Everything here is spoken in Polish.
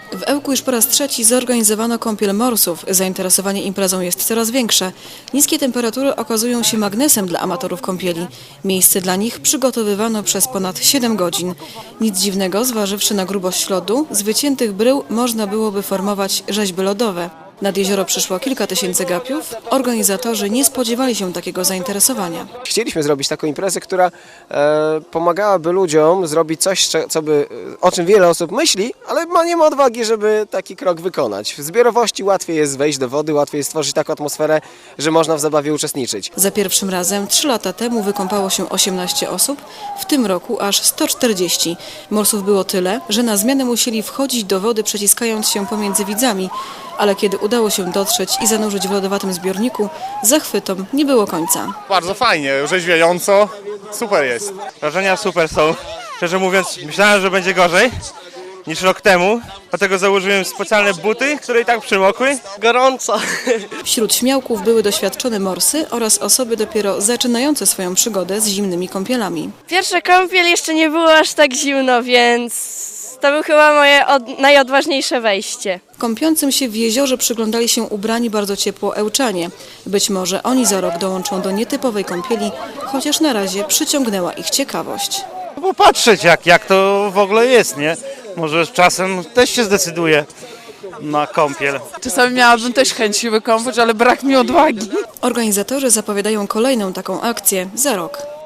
W Ełku już po raz trzeci zorganizowano kąpiel morsów. Zainteresowanie imprezą jest coraz większe. Niskie temperatury okazują się magnesem dla amatorów kąpieli. Miejsce dla nich przygotowywano przez ponad 7 godzin. Nic dziwnego, zważywszy na grubość lodu, z wyciętych brył można byłoby formować rzeźby lodowe. Nad jezioro przyszło kilka tysięcy gapiów. Organizatorzy nie spodziewali się takiego zainteresowania. Chcieliśmy zrobić taką imprezę, która pomagałaby ludziom zrobić coś, o czym wiele osób myśli, ale nie ma odwagi, żeby taki krok wykonać. W zbiorowości łatwiej jest wejść do wody, łatwiej jest stworzyć taką atmosferę, że można w zabawie uczestniczyć. Za pierwszym razem 3 lata temu wykąpało się 18 osób, w tym roku aż 140. Morsów było tyle, że na zmianę musieli wchodzić do wody, przeciskając się pomiędzy widzami, ale kiedy udało się dotrzeć i zanurzyć w lodowatym zbiorniku, zachwytom nie było końca. Bardzo fajnie, orzeźwiająco, super jest. Wrażenia super są. Szczerze mówiąc, myślałem, że będzie gorzej niż rok temu, dlatego założyłem specjalne buty, które i tak przymokły. Gorąco. Wśród śmiałków były doświadczone morsy oraz osoby dopiero zaczynające swoją przygodę z zimnymi kąpielami. Pierwsza kąpiel jeszcze nie było aż tak zimno, więc to było chyba moje najodważniejsze wejście. Kąpiącym się w jeziorze przyglądali się ubrani bardzo ciepło Ełczanie. Być może oni za rok dołączą do nietypowej kąpieli, chociaż na razie przyciągnęła ich ciekawość. Popatrzeć jak to w ogóle jest, nie? Może z czasem też się zdecyduje na kąpiel. Czasami miałabym też chęć się wykąpać, ale brak mi odwagi. Organizatorzy zapowiadają kolejną taką akcję za rok.